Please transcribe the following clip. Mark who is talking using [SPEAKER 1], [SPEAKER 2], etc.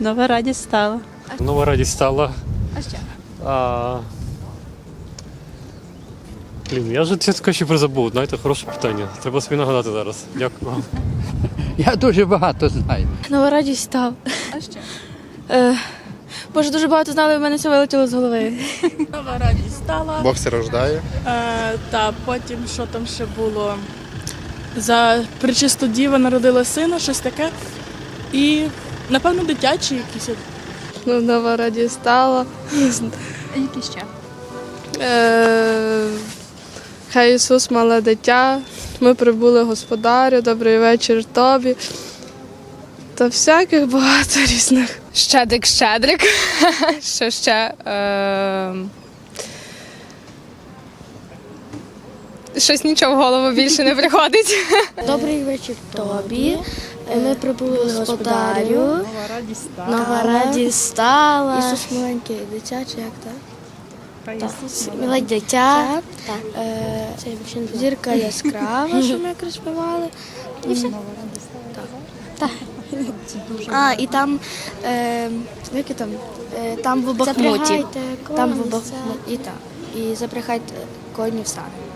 [SPEAKER 1] Нова радість стала.
[SPEAKER 2] Нова радість стала.
[SPEAKER 3] А що?
[SPEAKER 2] Я вже чесно ще призабув. Знаєте, хороше питання. Треба собі нагадати зараз. Дякую вам.
[SPEAKER 4] Я дуже багато знаю.
[SPEAKER 5] Нова радість став.
[SPEAKER 3] А що?
[SPEAKER 5] Боже, дуже багато знали, в мене все вилетіло з голови.
[SPEAKER 6] Нова радість стала.
[SPEAKER 7] Бог все рождає.
[SPEAKER 6] Та потім, що там ще було? За пречисту діва народила сина, щось таке. І, напевно, дитячі якісь.
[SPEAKER 5] Нова радість стала.
[SPEAKER 3] Які ще?
[SPEAKER 5] Хай Ісус мале дитя. Ми прибули господарю, добрий вечір тобі. Та всяких багато різних.
[SPEAKER 8] Щедрик. Що ще? Щось нічого в голову більше не приходить.
[SPEAKER 9] Добрий вечір тобі. Ми прибули господарю. Нова радість стала. Ісус маленький дитячий, як так? Маленьке дитя. Зірка яскрава, що ми якраз співали. І все. Так. І там, які там? Там в Бахмуті. Там в Бахмуті. І запрягайте коні в сани.